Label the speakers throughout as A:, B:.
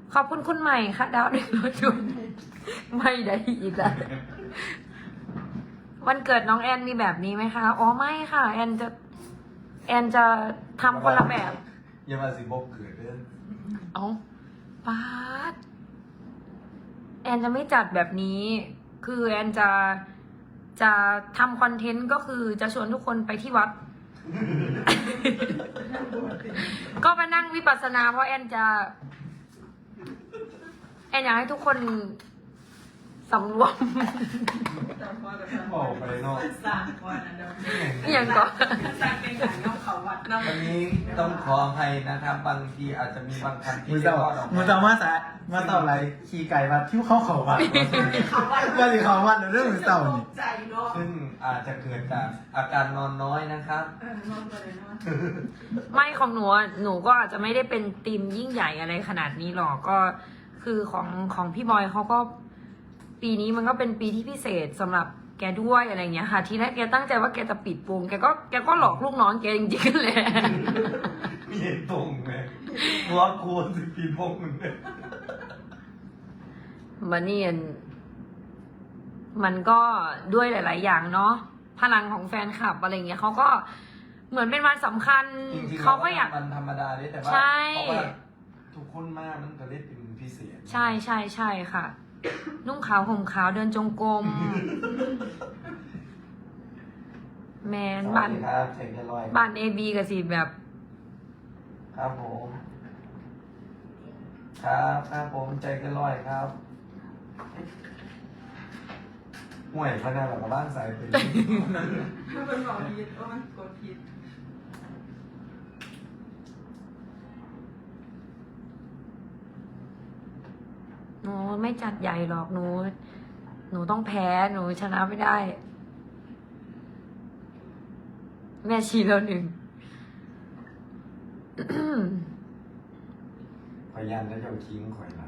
A: ขอบคุณคุณใหม่ค่ะ ดาว100 ดวงไม่ได้อีกแล้ววันเกิดน้องแอนมีแบบนี้ไหมคะอ๋อไม่ค่ะ แอนจะทำคนละแบบ
B: อย่ามาสิบกเกิดเด้อ
A: เอาป๊าดแอนจะไม่จัดแบบนี้ คือแอนจะทำคอนเทนต์ก็คือจะชวนทุกคนไปที่วัด ก็ไปนั่งวิปัสสนาเพราะแอนอยากให้ทุกคนสำรวม
B: บอกไปเนาะ
C: สร้างก่อนนะเดี๋ยว
A: อย่างก่อน
C: สร้างเป็นหนังน้องเขาวัดน้อง
B: วันนี้ต้องขออภัยนะครับ บางทีอาจจะมีบางคำที่
D: มือ
B: เรีย
D: เจ้าก
B: ว่าออก
D: มือเจ้ามาสะมาเต่าอะไรขี่ไก่มาที่เข้าเขาวัดว่าสิเขาวัดเรื่องมือเต่านี่
C: ใจเนาะ
B: ซึ่งอาจจะเกิดจากอาการนอนน้อยนะครับ
C: นอนไปเลยเนาะ
A: ไม่ของหนูก็อาจจะไม่ได้เป็นทีมยิ่งใหญ่อะไรขนาดนี้หรอกก็คือของพี่บอยเขาก็ปีนี้มันก็เป็นปีที่พิเศษสำหรับแกด้วยอะไรเงี้ยค่ะทีแรกแกตั้งใจว่าแกจะปิดวงแกก็หลอกลูกน้องแกจริงๆเลย
B: มีเหตุตรงไหมล็อกควรสิปีพงมึงเนี่ย
A: มันนี่มันก็ด้วยหลาย ๆ อย่างเนาะพลังของแฟนคลับอะไรเงี้ยเขาก็เหมือนเป็นวันสำคัญ
B: จริงๆ
A: เขาก็อยาก
B: มันธรรมดาเลยแต่ว่า
A: ใช่
B: เพราะว่าทุกคนมากมันก็เลยเป็นพิเศษ
A: ใช่ค่ะ นุ่งขาวห่มขาวเดินจงกรมแมน
B: สวั
A: บ้า
B: ส
A: น
B: ดีครับเช็คเรียบร้อย
A: บ้านเอบีกับสิแบบ
B: ครับผมครับผมใจเกันร้อยครับห่วยพนันหลังบ้านสายเป็น
C: ถ้าเป็นบอกผิดว่ามันกดผิด
A: หนูไม่จัดใหญ่หรอกหนูต้องแพ้หนูชนะไม่ได้ แม่ชี้แล้วหนึ่ง
B: พยายามจะเจ้าทิ้งข่อยละ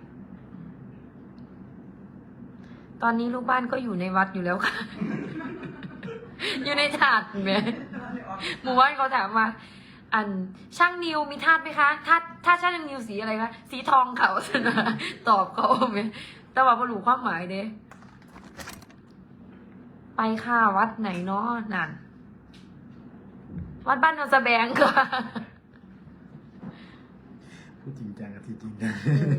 A: ตอนนี้ลูกบ้านก็อยู่ในวัดอยู่แล้วค่ะ อยู่ในถาดไหมหมู่บ้านเขาถามมาอันช่างนิวมีธาตุไหมคะถ้าช่างนิวสีอะไรคะสีทองเขาสนะตอบเขาไหมแต่ว่าบรรลุความหมายเด้ไปค่ะวัดไหนเนาะนั่นวัดบ้านโนนสะแบงค่ะ
D: พูดจริงจังกับที่จริงจัง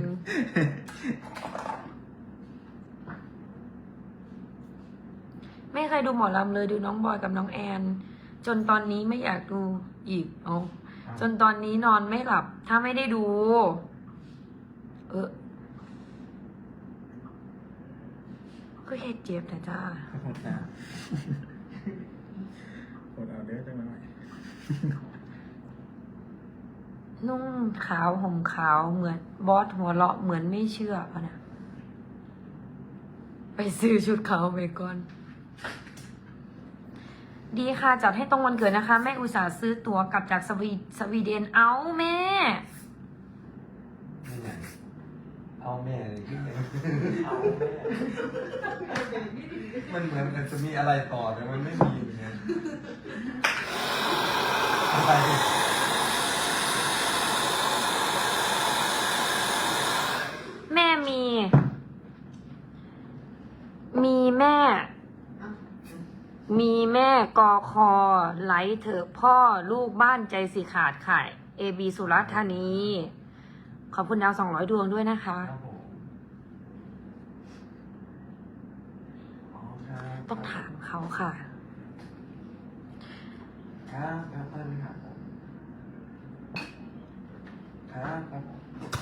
A: ไม่เคยดูหมอลำเลยดูน้องบอยกับน้องแอน จนตอนนี้ไม่อยากดูอีกเอาจนตอนนี้นอนไม่หลับ ถ้าไม่ได้ดู ก็เฮ็ดเจ็บแต่จ้า
D: หมดนะหมดเอาเด้อจังหน่อย
A: นุ่งขาวห่มขาวเหมือนบอสหัวเราะเหมือนไม่เชื่อพะนะไปซื้อชุดขาวไปก่อน ดีค่ะจัดให้ตรงวันเกิดนะคะ แม่อุตส่าห์ซื้อตั๋วกลับจากสวีเดนเอาแม่
B: นี่ไงเอาแม่เลยที่ไหนเอาแม่มันเหมือนกันจะมีอะไรต่อแต่มันไม่มีอย่างเงี้ยอะไร
A: แม่มีแม่ มีแม่กอคอไหลเถอะพ่อลูกบ้านใจสิขาดข่ายเอบีสุรัตน์ธานี ขอบคุณดาว200 ดวงด้วยนะคะ
B: ครับผมอ๋อครับ
A: ต้องถามเขาค่ะ
B: ครับครับท่านครับผมครับครับผม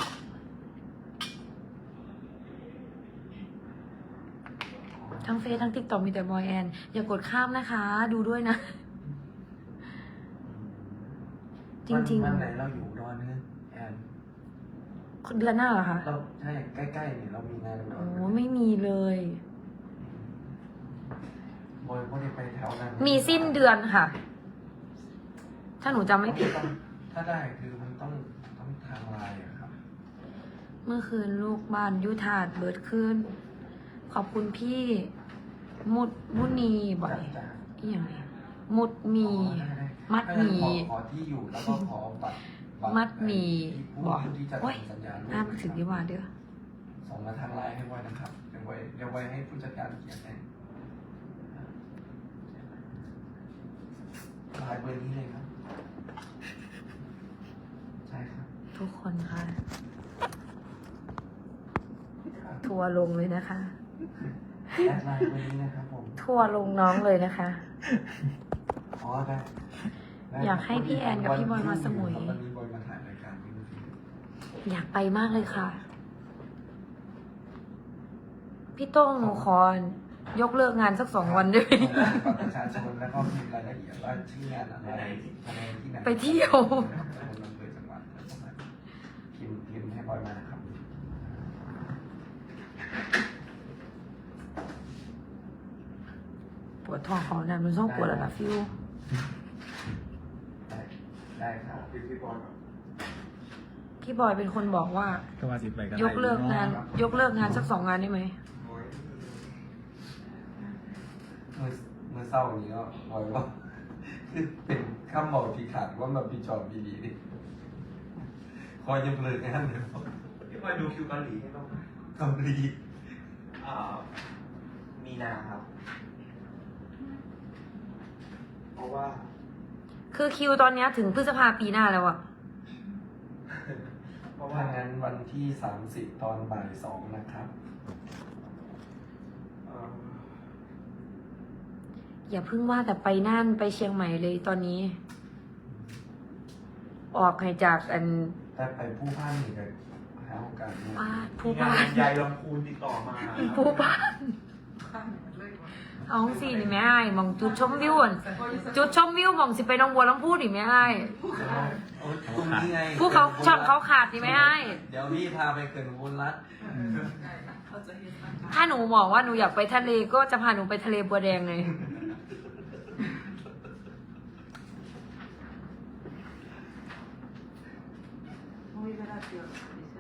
A: ทั้งเฟซทั้งติ๊กต็อกมีแต่บอยแอน อย่ากดข้ามนะคะ ดูด้วยนะ จริง
B: วันไหนเราอยู่อุดอนเนี่ยแอน
A: ๆ เดือนหน้าเหรอคะ
B: เราใช่ใกล้ๆเนี่ยเรามีงานอุดร
A: โอ้
B: ไหม
A: ไม่มีเลย
B: บอยไม่ได้ไปแถวนั้น
A: มีสิ้นเดือนค่ะ ถ้าหนูจำไม่ผิด
B: ถ้าได้คือมันต้องทางไลน์อะครับ
A: เมื่อคืนลูกบ้านยุทาดเบิดขึ้น ขอบคุณพี่มุนีบ่อย
B: จ้ะ
A: อีอย่างไรมุดมี
B: อ๋อได้
A: มัดหมี่
B: ขอที่อยู่แล้วก็ขอบัตร
A: มัดหมีบอก
D: ผู้ที่จะ
A: โอ้ย
D: ทำสัญญา
A: อ่านมาถึงดีกว่าเด้อ
D: ส่งมาทางไลน์ให้ไว้นะครับเดี๋ยวไว้ให้ผู้จัดการเขียนให้ไลน์เบอร์นี้เลยครับ ใช่ครับ
A: ทุกคนค่ะ ทัวร์ลงเลยนะคะ
D: แอดไลน์เบอร์นี้นะครับผม
A: ทัวร์ลงน้องเลยนะคะ
D: อ๋อได้ได้
A: อยากให้พี่แอนกับพี่บอยมาสมุย
D: วันนี้บอยมาถ่ายรายการนี้
A: อยากไปมากเลยค่ะ พี่โต้งหนูขอยกเลิกงานสัก2 วันด้วย
D: บัตรประชาชนแล้วก็พิมพ์รายละเอียดว่าชื่องานอะไรแสดงที่ไหน
A: ไปเที่ยว
D: อำเภอจังหวัดพิมพ์ให้บอยมานะครับ
A: ปวดท้องเขานะมันต้องปวดแล้วนะฟิว
D: ได้ครับ
B: พี่บอลครับ
A: พี่บอยเป็นคนบอกว่า
E: ก็ว่าสิไปกัน
A: ยกเลิกงาน ยกเลิกงานสัก2 งานได้ไหม
D: เมื่อเศร้านี้ก็บอยว่าคือเป็นข้ามบอกที่ขาดว่ามันปีจอบปีดีดิคอยจะเลิกงานเดี๋ยว
B: พี่บอยดูคิวเกาหลีให้บ้างไหม
D: เกาหลี
B: อ่ามีนาครับ เพราะว่า
A: คือคิวตอนเนี้ยถึงพฤษภาปีหน้าแล้วอะ
B: เพราะว่า
D: ถ้างั้นวันที่30ตอนบ่าย2นะครับ
B: เอ่อ
A: อย่าเพิ่งว่าแต่ไปน่านไปเชียงใหม่เลยตอนนี้ ออกให้จากอัน
D: แต่ไปผู้พันอีกเลยหาโอกาสเนี่ย
A: บ้านผู้
B: มีงา
A: บ้าน
B: นยายลำพูนติดต่อมาครับ
A: ผู้บ้าน
C: ข้างเลยว่ะ
A: เอาสินี่แม่ไอ้ายมองจุดชมวิวอ่ะจุดชมวิวมองสิไปหน้องบัวลำพูนี่แม่ไอ้าย
D: โอ้ยตรงนี้ไง
A: ผู้เขาช่องเขาขาดนี่แม่ไอ้าย
D: เดี๋ยวพี่พาไปเกินบุญรัตน์
C: เขาจะเห็นอาการ
A: ถ้าหนูบอกว่าหนูอยากไปทะเลก็จะพาหนูไปทะเลบัวแดงเลย
C: ไม่เวลาเดียวไม่ใช่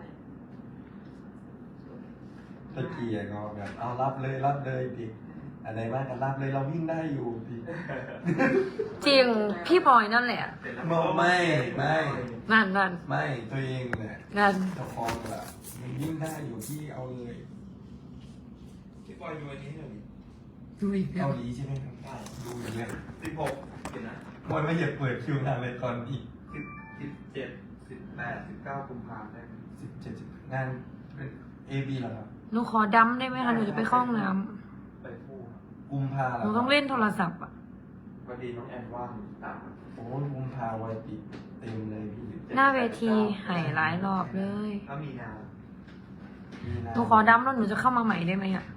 D: ตะเกียงก็แบบเอารับเลยดิอะไรบ้างกันรับเลยเราวิ่งได้อยู่ดิ
A: จริงพี่บอยนั่นแหละ
D: ไม่
A: นั่น
D: ไม่ตัวเองเนี่ย
A: นั่น
D: เจ้าของแหละมันวิ่งได้อยู่ที่เอาเลย
B: พี่บอยดูอันนี้หน่อยดิ
A: ดูอีกแล้
D: เกาว หลีใช่ไหมครับได้ดูอย่างเงี้ย
B: 16เห็นนะ
D: มันไม่อยากเปิดคิวงานเลยก่อนอีก
B: 17 18 19กุมภาพันธ์ได้ไหม
D: 17งานเป็นเอบีเหรอครับ
A: หนูขอดำได้ไหมคะหนูจะไปเข้าห้องน้
B: ไปพูด
D: กุมภา
A: ำ
D: เหร
A: หนูต้องเล่นโทรศัพท์อ่ะ
B: วันดีน้องแอนว่างตาม
D: โอ้ยกุมภาไว้ปิดเต็มเลยพี่
A: หน้าเวทีหายหลายรอบเลย
B: ถ้ามีนา
D: มีนา
A: หนูขอดำแล้วหนูจะเข้ามาใหม่ได้ไหมอ่ะ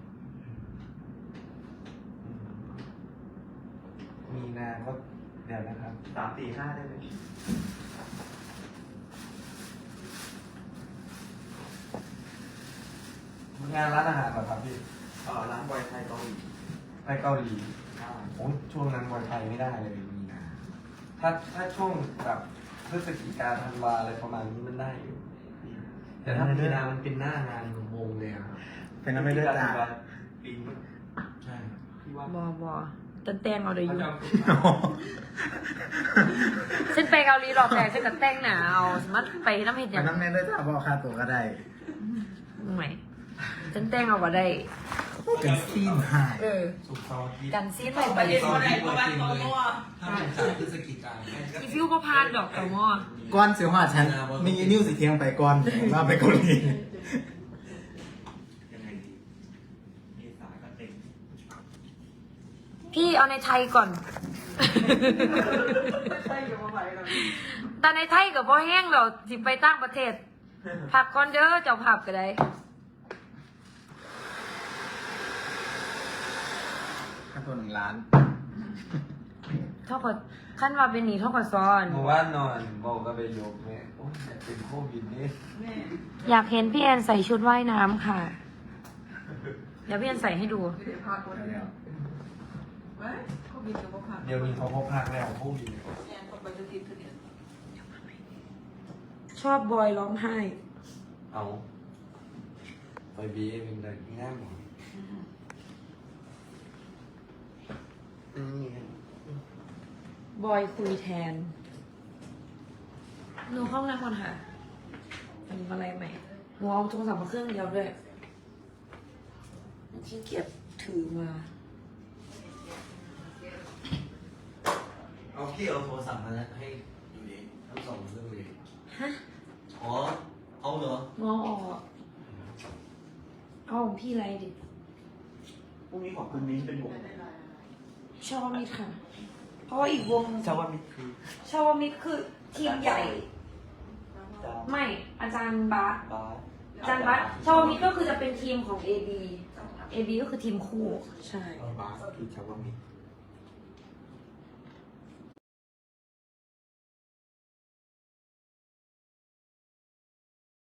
D: มีนาก็เดี๋ยวนะครับ
B: 3 4 5ได้ไหม
D: งานร้านอาหารเหรอครับพี่
B: ร้านบอยไทยเกาหลี
D: ไปเกาหลีโอ้ช่วงนั้นวันไทยไม่ได้เลยมีนาถ้าช่วงแบบพฤศจิกาธันวาอะไรประมาณนี้มันได้อยู่ แต่ถ้ามีนามันเป็นหน้างานของวงเลยอะครับ
E: เป็นน้ำไม่เลือดจ้า
B: ปีนี้
D: ใช่
B: พี่ว่า
A: บอจันแต่งเอาเลยอ
B: เขา
A: ยู่
B: จะ
A: ฉันไปเกาหลีรอบแรกฉันก็แต่งหนาเอาสมมติไปน้ำเห็ดอ
E: เป็
A: ย่าน ง
E: น้ำแน่เลือดจ้าบอกค่าตัวก็ได้
A: ไม่ฉันแต่งเอาก็ได้
E: เป็นซีนหาย
A: เออ
D: สุกร์เสาร์อาทิตย์
A: กันซีนไป
C: ไป
A: ไป
C: เรียนอะไรประมาณตอนมั่ว
D: ถ้าเป็นจากพฤศจิกา
A: อีฟิวก็พานดอกแต่หม้อ
E: ก้อนเสียวหาฉัน มีนิ้วสีเทียงไปก้อนว่าไปเกาหลี
B: ยังไงดีมีสายก็เต็ม
A: พี่เอาในไทยก่อน
C: ไม่ใช่อยู่มาไหวหรอก
A: แต่ในไทยกับพ่อแห้งเราสิไปต่างประเทศผักก่อนเด้อเจ้าผับก็ได้
E: ค่าตัว1 ล้าน
A: เท่ากับขั้นว่าเป็นหนีเท่ากับซ้อน
D: เมื่อวานนอนบอกก็ไปยกแม่โอ้ยอยากเป็นโควิดนี่
C: แม่
A: อยากเห็นพี่แอนใส่ชุดว่ายน้ำค่ะ เดี๋ยวพี่แอนใส่ให้ดู
C: ไม่ได้พาคนเดียวไว้เขาบินกับพา
D: เดี๋ยวนี้เขาพบพักแล้วโควิดเนี่ย
C: แอนคนไปจะติดเถื่อน
A: ชอบบอยร้องไห้
D: เอาไปบีเป็นเด็กง่ายหมดนี่
A: บอยคุยแทนหนูห้องน้ำก่อนค่ะทำอะไรใหม่หนูเอาโทรศัพท์มาเครื่องเดียวด้วยขี้เกียจถือมา
B: เอาพี่เอาโทรศัพท์มาให้ดูดิทั้งสองเรื่องเลย
A: ฮะ
B: อ๋อ เอาเหรอ
A: งอออกเอาของพี่ไรดิ
B: พรุ่งนี้ของคุณมิ้นเป็นวง
A: ชาวมิตรค่ะ เพราะว่าอีกวง
B: ชาวมิตรคือ
A: ชาวมิตรคือทีมใหญ่ ไม่อาจารย์บาส
B: บาส
A: อาจารย์บาสชาวมิตรก็คือจะเป็นทีมของ AB AB ก็คือทีมคู่ ใช่
B: บาสคือชาวมิตร